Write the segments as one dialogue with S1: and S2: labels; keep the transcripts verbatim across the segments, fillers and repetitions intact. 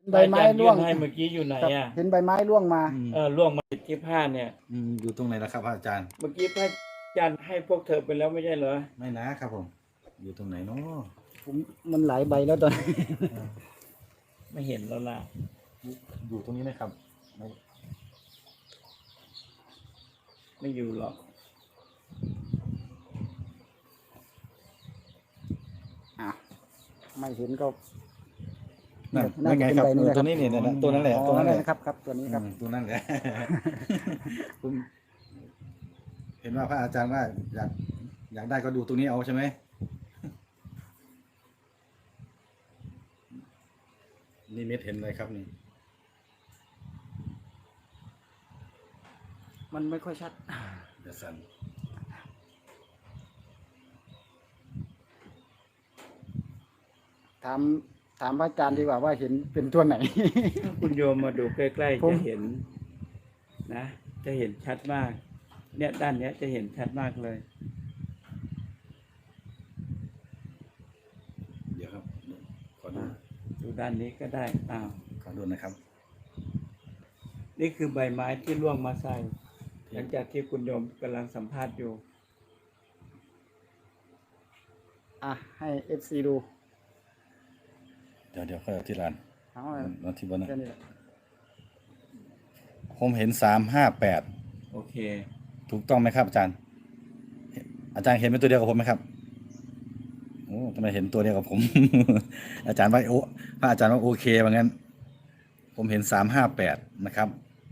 S1: ใบไม้ร่วง
S2: ให้เมื่อกี้อยู่ไหนอ่ะ
S1: เห็นใบไม้ร่วงมา
S2: เออร่วงมาติดที่ผ้าเนี่ย
S3: อยู่ตรงไหนล่ะครับพระอาจารย์
S2: เมื่อกี้พระอาจารย์ให้พวกเธอไปแล้วไม่ใช่เหรอ
S3: ไม่นะครับผมอยู่ตรงไหนเนาะ
S1: ผมมันหลายใบแล้วตอนนี้
S2: ไม่เห็นแล้วล่ะ
S3: อยู่ตรงนี้ไหมครับไม่
S2: ไม่อยู่หรอก
S1: อ่ะไม่เห็นก็
S3: นั่นนั่นไงครับตัวนี้เนี่ยตัวนั้นแหละตัวนั้นแหละ
S1: ครับครับตัวนี้ครับ
S3: ตัวนั้นแหละผมเห็นว่าพระอาจารย์ว่าอยากอยากได้ก็ดูตรงนี้เอาใช่ไหมนี่เม็ดเห็นเลยครับนี่
S1: มันไม่ค่อยชัด
S3: เดี๋ยวสั่น
S1: ถามถามพระอาจารย์ดีกว่าว่าเห็นเป็นตัวไหน
S2: คุณโยมมาดูใกล้ๆจะเห็นนะจะเห็นชัดมากเนี่ยด้านเนี้ยจะเห็นชัดมากเลย
S3: เดี๋ยวครับขอดู
S2: ดูด้านนี้ก็ได้อ้าว
S3: ขอดูนะครับ
S2: นี่คือใบไม้ที่ร่วงมาใส่หลังจากที่คุณโยมกำลังสัมภาษณ์อยู่
S1: อ่ะให้เอฟซีดู
S3: เดี๋ยวเดี๋ยวค่อยอธิบาย
S1: เอา
S3: อธิบายนะ
S1: แค่นี้
S3: ผมเห็นสามห้าแปด
S2: โอเค
S3: ถูกต้องไหมครับอาจารย์อาจารย์เห็นเป็นตัวเดียวกับผมไหมครับโอ้ทำไมเห็นตัวเดียวกับผม อาจารย์ว่าโอ้พระอาจารย์ว่าโอเคว่างั้นผมเห็นสามห้าแปดนะครับ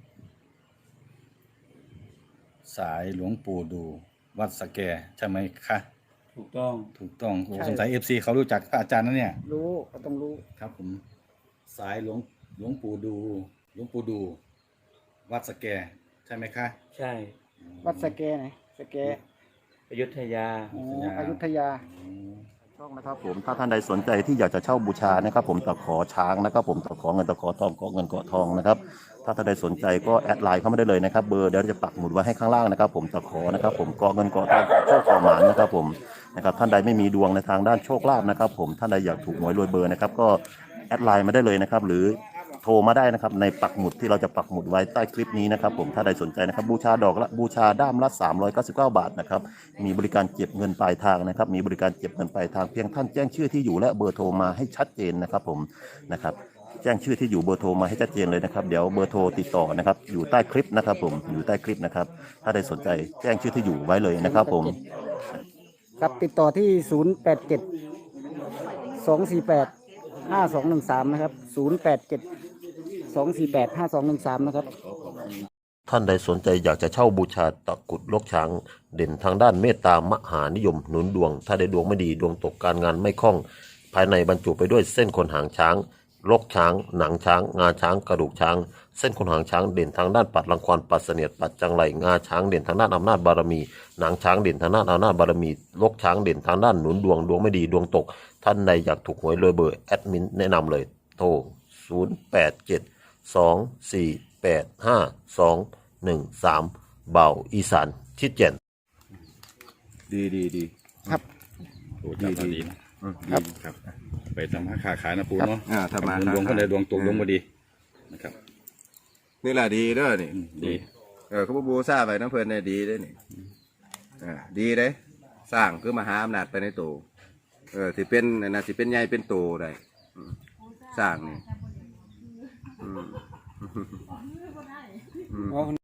S3: สายหลวงปู่ดูวัดสแกใช่ไหมคะ
S2: ถูกต้อง
S3: ถูกต้องโอ้สงสัยเอฟซีเขารู้จักพระอาจารย์นะเนี่ย
S1: รู้ก็ต้องรู้
S3: ครับผมสายหลวงหลวงปู่ดูหลวงปู่ดูวัดสแกใช่ไหมคะ
S2: ใช่
S1: วัดสแกไหนสแก
S2: อยุธยา
S1: อ๋ออยุธยา
S4: ช่องนะครับผมถ้าท่านใดสนใจที่อยากจะเช่าบูชานะครับผมตะขอช้างนะครับผมตะขอเงินตะขอทองเกาะเงินเกาะทองนะครับถ้าท่านใดสนใจก็แอดไลน์เข้ามาได้เลยนะครับเบอร์เดี๋ยวจะปักหมุดไว้ให้ข้างล่างนะครับผมตะขอนะครับผมเกาะเงินเกาะทองโชคขอหมานนะครับผมนะครับท่านใดไม่มีดวงในทางด้านโชคลาภนะครับผมท่านใดอยากถูกหวยรวยเบอร์นะครับก็แอดไลน์มาได้เลยนะครับหรือโทรมาได้นะครับในปักหมุดที่เราจะปักหมุดไว้ใต้คลิปนี้นะครับผมถ้าใดสนใจนะครับบูชาดอกละบูชาด้ามละสามร้อยเก้าสิบเก้าบาทนะครับมีบริการเก็บเงินปลายทางนะครับมีบริการเก็บเงินปลายทางเพียงท่านแจ้งชื่อที่อยู่และเบอร์โทรมาให้ชัดเจนนะครับผมนะครับแจ้งชื่อที่อยู่เบอร์โทรมาให้ชัดเจนเลยนะครับเดี๋ยวเบอร์โทรติดต่อนะครับอยู่ใต้คลิปนะครับผมอยู่ใต้คลิปนะครับถ้าใดสนใจแจ้งชื่อที่อยู่ไว้เลยนะครับผม
S1: ครับติดต่อที่ศูนย์แปดเจ็ดสองสี่แปดห้าสองหนึ่งสามนะครับศูนย์แปดเจ็ดสองสี่แปดห้าสองหนึ่งสามนะครับ
S4: ท่านใดสนใจอยากจะเช่าบูชาตะกุดลกช้างเด่นทางด้านเมตตามหานิยมหนุนดวงถ้าได้ดวงไม่ดีดวงตกการงานไม่คล่องภายในบรรจุไปด้วยเส้นขนหางช้างลกช้างหนังช้างงาช้างกระดูกช้างเส้นขนหางช้างเด่นทางด้านปัดรังควานปัดเสนียดปัดจังไรงาช้างเด่นทางด้านอำนาจบารมีหนังช้างเด่นทางด้านอำนาจบารมีลกช้างเด่นทางด้านหนุนดวงดวงไม่ดีดวงตกท่านใดอยากถูกหวยรวยเบอร์แอดมินแนะนำเลยโทรศูนย์แปดเจ็ดสองสี่แปดห้าสองหนึ่งสามเบาอีสานชิดเจน
S3: ดีดีดี
S1: ครับ
S3: โอ้ดีดีครับครับไปทำค้าขายนะปูเนาะ
S5: อ่าทำมา
S3: ดวงก็เลยดวงตกดวงมาดีนะครับ
S5: นี่แหละดีเด้อนี่
S3: ดี
S5: เออเขาบูชาไปน้ำเพลินเนี่ยดีเด้อนี่อ่าดีเลยสร้างคือมหาอำนาจไปในตัวเออที่เป็นนะที่เป็นใหญ่เป็นโตได้สร้างนี่อืม